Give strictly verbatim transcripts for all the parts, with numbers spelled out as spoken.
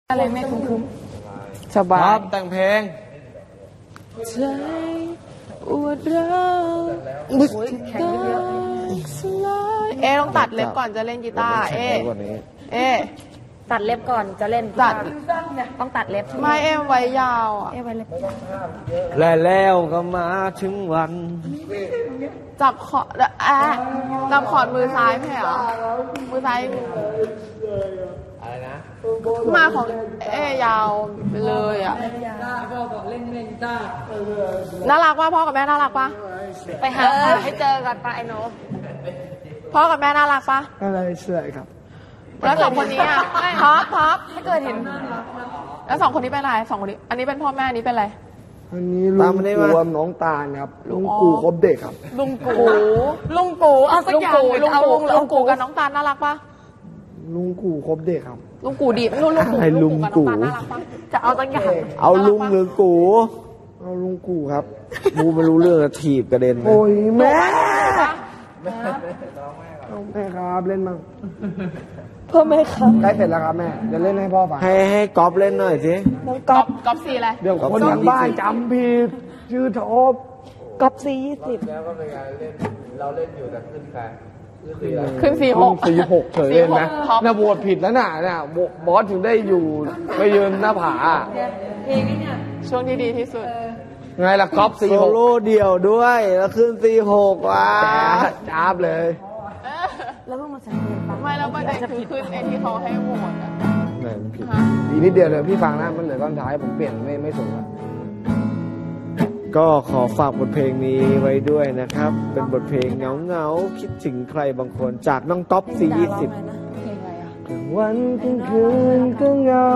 อะไรไม่คุ้มสบายแต่งเพลงใจอวดเราแข็งเยอะเอต้องตัดเล็บก่อนจะเล่นกีตาร์เอเอตัดเล็บก่อนจะเล่นตัดต้องตัดเล็บไม่เอไว้ยาวอ่ะเอไว้เล็บและแล้วก็มาถึงวันจับขอดอะจับขอดมือซ้ายไม่เหรอมือซ้ายอะไรนะมาของเอยาวไปเลยอ่ะพ่อบอกเล่นเล่นกีตาร์น่ารักป่ะพ่อกับแม่น่ารักป่ะไปหาให้เจอกันปะไอโนพ่อกับแม่น่ารักป่ะอะไรเสื่อยครับแล้วสองคนนี้อ่ะท็อปท็อปถ้าเกิดเห็นแล้วสองคนนี้เป็นอะไรสองคนนี้อันนี้เป็นพ่อแม่นี้เป็นอะไรอันนี้ลุงกูกับน้องตาลครับลุงกูครบเด็กครับลุงกูลุงกูเอาสักอย่างลุงกูลุงกูกับน้องตาลน่ารักป่ะลุงกูครบเด็กครับลุงกูดีลุงลุงกูลุงกูกับน้องตาลน่ารักป่ะจะเอาสักอย่างเอาลุงหรือกูเอาลุงกูครับกูไม่รู้เรื่องถีบกระเด็นโอ้ยแม่แม่ครับเล่นมั้งพ่อแม่ครับใกล้เสร็จแล้วครับแม่จะเล่นให้พ่อฟังให้ให้ก๊อฟเล่นหน่อยสิน้องก๊อฟก๊อฟซีอะไรเดี๋ยวคนทางบ้านจำผิดชื่อทบก๊อฟซียี่สิบแล้วก็เป็นการเล่นเราเล่นอยู่แต่ขึ้นใครขึ้นสี่หกสี่หกเฉยเล่นไหมน่าบวชผิดแล้วน่ะน่ะบอสถึงได้อยู่ไปยืนหน้าผาเพลงนี้เนี่ยช่วงที่ดีที่สุดไงล่ะก๊อฟสี่หกโซโล่เดี่ยวด้วยแล้วขึ้นสี่หกว่ะจ้าบเลยแล้วเพิ่งมาสังเกตไม่แล้วประเด็นคือขึ้นไอ้ที่เขาให้โหวตอ่ะไหนมันผิดอีกนิดเดียวเลยพี่ฟังนะมันเหลือตอนท้ายผมเปลี่ยนไม่ไม่สนละก็ขอฝากบทเพลงนี้ไว้ด้วยนะครับเป็นบทเพลงเงาเงาคิดถึงใครบางคนจากน้องต๊อปสี่ยี่สิบวันกลางคืนก็เงา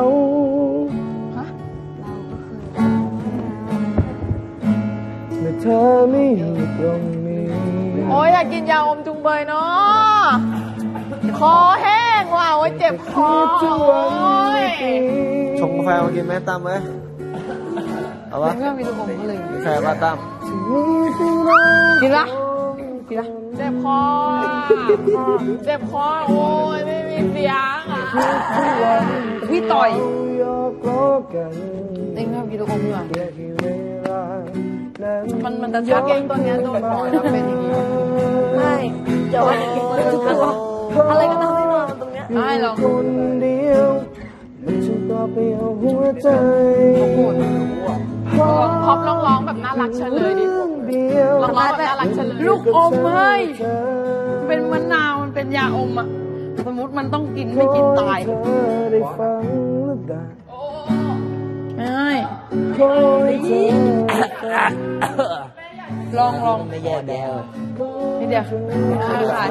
เมื่อเธอไม่อยู่ตรงนี้โอ้ยอยากกินยาอมจุงเบยเนาะคอแห้งว่ะโอ้ยเจ็บคอชงกาแฟมากินไหมตั้มเอ้ยเอาวะไม่มีลูกอมเลยแฟมาตั้มกินละกินละเจ็บคอเจ็บคอโอ้ยไม่มีเสียงอ่ะพี่ต่อยเองไม่กินลูกอมดีกว่ามันมันจะชักเองตัวเนี้ยโดนปล่อยแล้วเป็นอย่างนี้ไม่เดี๋ยวอะไรก็ทำให้นอนตรงเนี้ยไม่หรอกคนเดียวมันจะต่อไปเอาหัวใจพอปร้องๆแบบน่ารักเฉลยดิร้องๆแบบน่ารักเฉลยลูกอมเฮ้ยเป็นมะนาวมันเป็นยาอมอ่ะสมมติมันต้องกินไม่กินตายไม่ลองลองไม่แย่แล้วนี่เดี๋ยวดูถ่าย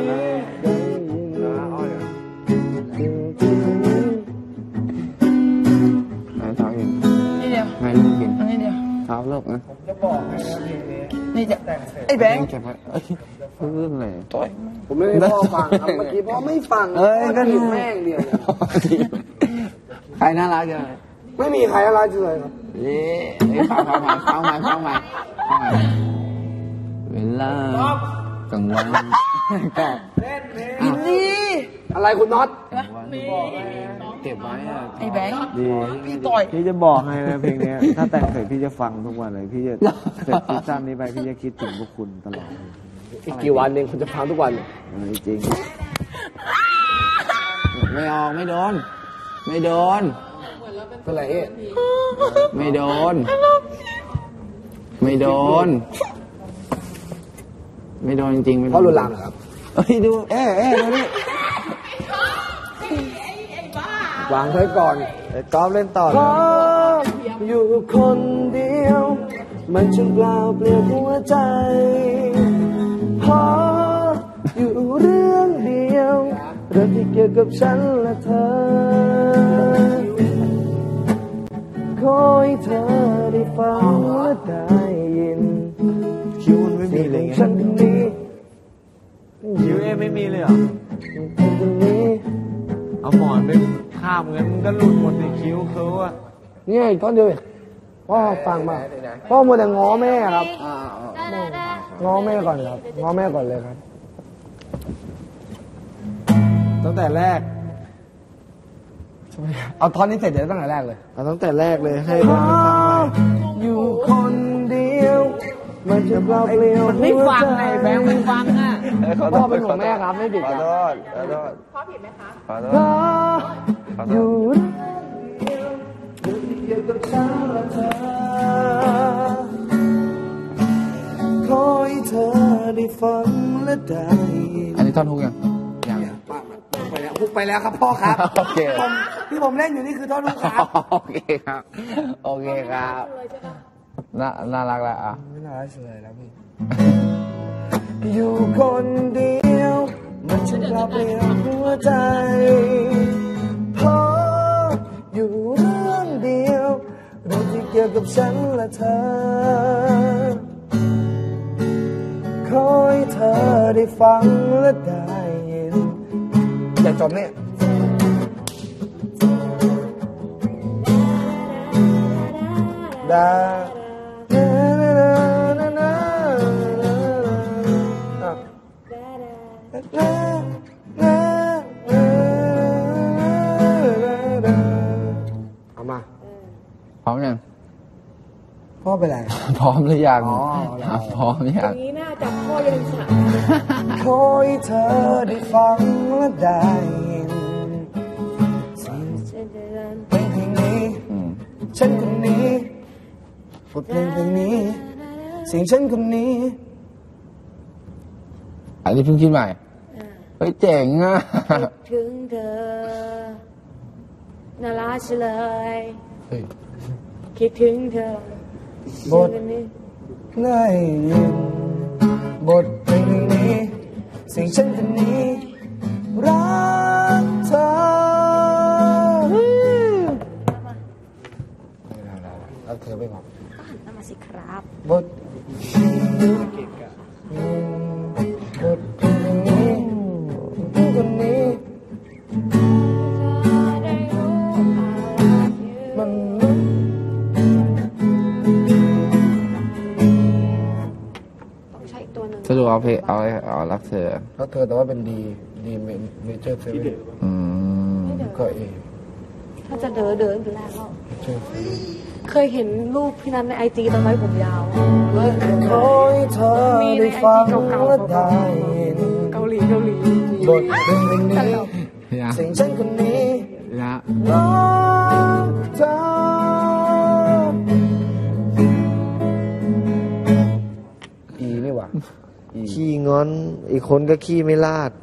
เท้าเองนี่เดียวไม่ลูกกินนี่เดียวเท้าเลิกนะผมจะบอกให้นะเพลงนี้นี่จะไอ้แบงค์เพื่อนเลยต่อยผมไม่ได้พ่อฟังครับเมื่อกี้พ่อไม่ฟังเอ้ยก็ผิดแม่งเดียวใครน่ารักจังไม่มีใครน่ารักจังเลยครับนี่ฟังฟังฟังฟังใหม่ฟังใหม่ฟังใหม่เวลากลางวันก็อินดี้อะไรคุณน็อตเก็บไว้อะไอ้แบงค์ดีพี่ต่อยพี่จะบอกให้นะเพลงนี้ถ้าแต่งเสร็จพี่จะฟังทุกวันเลยพี่จะเสร็จซีซั่นนี้ไปพี่จะคิดถึงพวกคุณตลอดอีกกี่วันเองคุณจะฟังทุกวันจริงไม่ออกไม่โดนไม่โดนเป็นไรเอ๊ะไม่โดนไม่โดนไม่โดนจริงๆไม่โดนเพราะรุนแรงครับเฮ้ยดูเอ๊ะเอ๊ะดูนี่วางไว้ก่อนแต่กอล์ฟเล่นต่อเลยอยู่คนเดียวมันจึงเปล่าเปลี่ยวหัวใจพออยู่เรื่องเดียวเรื่องที่เกี่ยวกับฉันและเธอขอให้เธอได้ฟังและได้ยินคิวมันไม่มีเลยไงฉันคนนี้คิวเอไม่มีเลยเหรอเอาหมอนไปข้ามเงินก็หลุดหมดในคิ้วเขาอะนี่อีกท่อนเดียวพ่อฟังมาพ่อมัวแต่ง้อแม่ครับง้อแม่ก่อนครับง้อแม่ก่อนเลยครับตั้งแต่แรกเอาท่อนนี้เสร็จเดี๋ยวตั้งแต่แรกเลยเอาตั้งแต่แรกเลยให้ร้องให้ฟังใหม่อยู่คนเดียวมันจะเปล่าเปลี่ยวมันไม่ฟังไงแบงค์ไม่ฟังอ่ะพ่อเป็นห่วงแม่ครับไม่ผิดขอกันโทษขอโทษพ่อผิดไหมคะขอโทเพราษะอยู่เกี่ยวกับฉันและเธอขอให้เธอได้ฟังและได้ยินอันนี้ท่อนฮุกยังยังไปแล้วพุกไปแล้วครับพ่อครับโอเคผมที่ผมเล่นอยู่นี่คือท่อนฮุกครับโอเคครับ โอเคครับน่าน่ารักแล้วอ่ะไม่น่าเฉยแล้วพี่ อยู่คนเดียวมันจะเปล่าเปลี่ยวหัวใจเพราะอยู่เรื่องเดียวเรื่องที่เกี่ยวกับฉันและเธอขอให้เธอได้ฟังและได้ยินอย่าจบเนี่ยดาเอามาพร้อมยังพ่อเป็นไรพร้อมหรือยังอ๋ออ่ะพร้อมหรือตยัรง งนี้น่าจะพ่อยังสระขอให้เธอได้ฟังและได้ยินเพลงเพลงนี้อืมฉันคนนี้บทเพลงเพลงนี้เสียงฉันคนนี้อันนี้เพิ่งคิดใหม่เฮ้ยเจ๋งอ่ะถึงเธอน่ารักเฉลยเฮ้ยคิดถึงเธอบทได้ยินบทเพลงนี้เสียงฉันคนนี้รักเธอรักเธอไม่พอน่ามาสิครับบทบทเพลงนี้คนนี้มันต้องใช้อีกตัวหนึ่งสรุปเอาเพลงเอาเอารักเธอรักเธอแต่ว่าเป็นดีดีเมเจอร์เซเว่นอืมก็เอถ้าจะเดินเดินอยู่แล้วก็เจอเซเว่นเคยเห็นรูปพี่นันในไอจีตอนไว้ผมยาวขอให้เธอได้ฟังและได้ยินเกาหลีเกาหลีบทเพลงนี้เนี่ยเสียงฉันคนนี้เนี่ยรักเธออีนี่หว่าอีขี้งอน อีกคนก็ขี้ไม่ลาด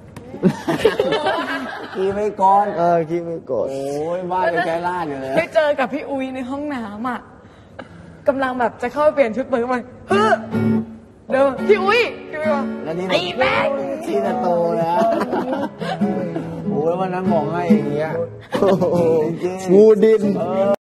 อีไม่ก่อนเออขี้ไม่โกรธโอ้ยบ้าไปแค่ล่าดอยู่เลยได้เจอกับพี่อุ้ยในห้องน้ำอ่ะกำลังแบบจะเข้าไปเปลี่ยนชุดเปิดมาเฮ้อเดินมาพี่อุ้ยพี่อุ้ยบอกแล้วนี่ไอ้แม่งที่ตะโตแล้วโอ้ยวันนั้นบอกให้อย่างเงี้ยงูดิน